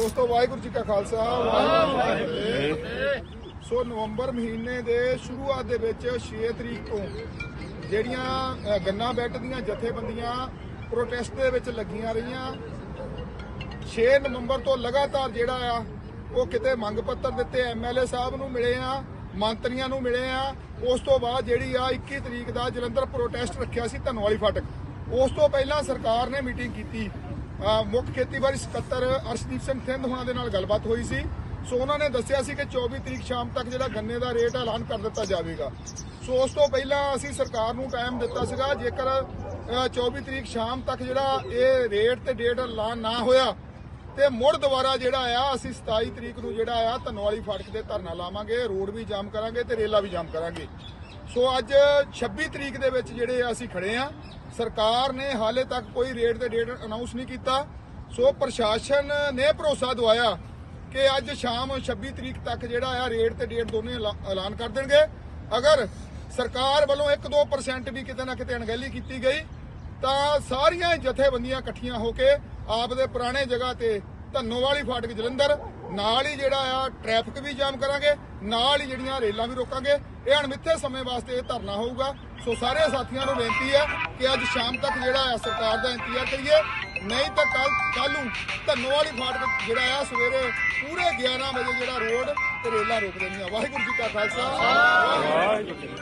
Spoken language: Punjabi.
ਦੋਸਤੋ ਵਾਹਿਗੁਰੂ ਜੀ ਕਾ ਖਾਲਸਾ ਵਾਹਿਗੁਰੂ ਜੀ ਕੀ ਫਤਿਹ। ਸੋ ਨਵੰਬਰ ਮਹੀਨੇ ਦੇ ਸ਼ੁਰੂਆਤ ਦੇ ਵਿੱਚ 6 ਤਰੀਕ ਤੋਂ ਜਿਹੜੀਆਂ ਗੰਨਾ ਬੈਟ ਦੀਆਂ ਜਥੇਬੰਦੀਆਂ ਪ੍ਰੋਟੈਸਟ ਦੇ ਵਿੱਚ ਲੱਗੀਆਂ ਰਹੀਆਂ, 6 ਨਵੰਬਰ ਤੋਂ ਲਗਾਤਾਰ ਜਿਹੜਾ ਆ ਉਹ ਕਿਤੇ ਮੰਗ ਪੱਤਰ ਦਿੱਤੇ, ਐਮਐਲਏ ਸਾਹਿਬ ਨੂੰ ਮਿਲੇ ਆ, ਮੰਤਰੀਆਂ ਨੂੰ ਮਿਲੇ ਆ। ਉਸ ਤੋਂ ਬਾਅਦ ਜਿਹੜੀ ਆ 21 ਤਰੀਕ ਦਾ ਜਲੰਧਰ ਪ੍ਰੋਟੈਸਟ ਰੱਖਿਆ ਸੀ ਧੰਨਵਾਲੀ ਫਾਟਕ। ਉਸ ਤੋਂ ਪਹਿਲਾਂ ਸਰਕਾਰ ਨੇ ਮੀਟਿੰਗ ਕੀਤੀ, ਮੁੱਖ ਖੇਤੀਬਾੜੀ ਸਕੱਤਰ ਅਰਸ਼ਦੀਪ ਸਿੰਘ ਥਿੰਦ ਹੋਣਾ ਦੇ ਨਾਲ ਗੱਲਬਾਤ ਹੋਈ ਸੀ। ਸੋ ਉਹਨਾਂ ਨੇ ਦੱਸਿਆ ਸੀ ਕਿ 24 ਤਰੀਕ ਸ਼ਾਮ ਤੱਕ ਜਿਹੜਾ ਗੰਨੇ ਦਾ ਰੇਟ ਐਲਾਨ ਕਰ ਦਿੱਤਾ ਜਾਵੇਗਾ। ਸੋ ਉਸ ਤੋਂ ਪਹਿਲਾਂ ਅਸੀਂ ਸਰਕਾਰ ਨੂੰ ਟਾਈਮ ਦਿੱਤਾ ਸੀਗਾ, ਜੇਕਰ 24 ਤਰੀਕ ਸ਼ਾਮ ਤੱਕ ਜਿਹੜਾ ਇਹ ਰੇਟ ਤੇ ਡੇਟ ਐਲਾਨ ਨਾ ਹੋਇਆ ਤੇ ਮੁੜ ਦੁਬਾਰਾ ਜਿਹੜਾ ਆ ਅਸੀਂ 27 ਤਰੀਕ ਨੂੰ ਜਿਹੜਾ ਆ ਧੰਨਵਾਲੀ ਫਾਟਕ ਤੇ ਧਰਨਾ ਲਾਵਾਂਗੇ, ਰੋਡ ਵੀ ਜਾਮ ਕਰਾਂਗੇ ਤੇ ਰੇਲਾਂ ਵੀ ਜਾਮ ਕਰਾਂਗੇ। ਸੋ ਅੱਜ 26 ਤਰੀਕ ਦੇ ਵਿੱਚ ਜਿਹੜੇ ਅਸੀਂ ਖੜੇ ਆ, ਸਰਕਾਰ ਨੇ ਹਾਲੇ ਤੱਕ ਕੋਈ ਰੇਟ ਤੇ ਡੇਟ ਅਨਾਉਂਸ ਨਹੀਂ ਕੀਤਾ। ਸੋ ਪ੍ਰਸ਼ਾਸਨ ਨੇ ਭਰੋਸਾ ਦਵਾਇਆ ਕਿ ਅੱਜ ਸ਼ਾਮ 26 ਤਰੀਕ ਤੱਕ ਜਿਹੜਾ ਆ ਰੇਟ ਤੇ ਡੇਟ ਦੋਨੇ ਐਲਾਨ ਕਰ ਦੇਣਗੇ। ਅਗਰ ਸਰਕਾਰ ਵੱਲੋਂ 1-2% ਵੀ ਕਿਤੇ ਨਾ ਕਿਤੇ ਅਣਗਹਿਲੀ ਕੀਤੀ ਗਈ ਤਾਂ ਸਾਰੀਆਂ ਜਥੇਬੰਦੀਆਂ ਇਕੱਠੀਆਂ ਹੋ ਕੇ ਆਪ ਦੇ ਪੁਰਾਣੇ ਜਗ੍ਹਾ ਤੇ ਧੰਨੋਵਾਲੀ ਫਾਟਕ ਜਲੰਧਰ ਨਾਲ ਹੀ ਜਿਹੜਾ ਆ ਟ੍ਰੈਫਿਕ ਵੀ ਜਾਮ ਕਰਾਂਗੇ, ਨਾਲ ਹੀ ਜਿਹੜੀਆਂ ਰੇਲਾਂ ਵੀ ਰੋਕਾਂਗੇ। ਇਹ ਅਣਮਿੱਥੇ ਸਮੇਂ ਵਾਸਤੇ ਇਹ ਧਰਨਾ ਹੋਊਗਾ। ਸੋ ਸਾਰੇ ਸਾਥੀਆਂ ਨੂੰ ਬੇਨਤੀ ਹੈ ਕਿ ਅੱਜ ਸ਼ਾਮ ਤੱਕ ਜਿਹੜਾ ਆ ਸਰਕਾਰ ਦਾ ਇੰਤਜ਼ਾਰ ਕਰੀਏ, ਨਹੀਂ ਤਾਂ ਕੱਲ ਨੂੰ ਧੰਨੋਵਾਲੀ ਫਾਟਕ ਜਿਹੜਾ ਆ ਸਵੇਰੇ ਪੂਰੇ 11 ਵਜੇ ਜਿਹੜਾ ਰੋਡ ਤੇ ਰੇਲਾਂ ਰੋਕ ਦੇਣੀਆਂ। ਵਾਹਿਗੁਰੂ ਜੀ ਕਾ ਖਾਲਸਾ।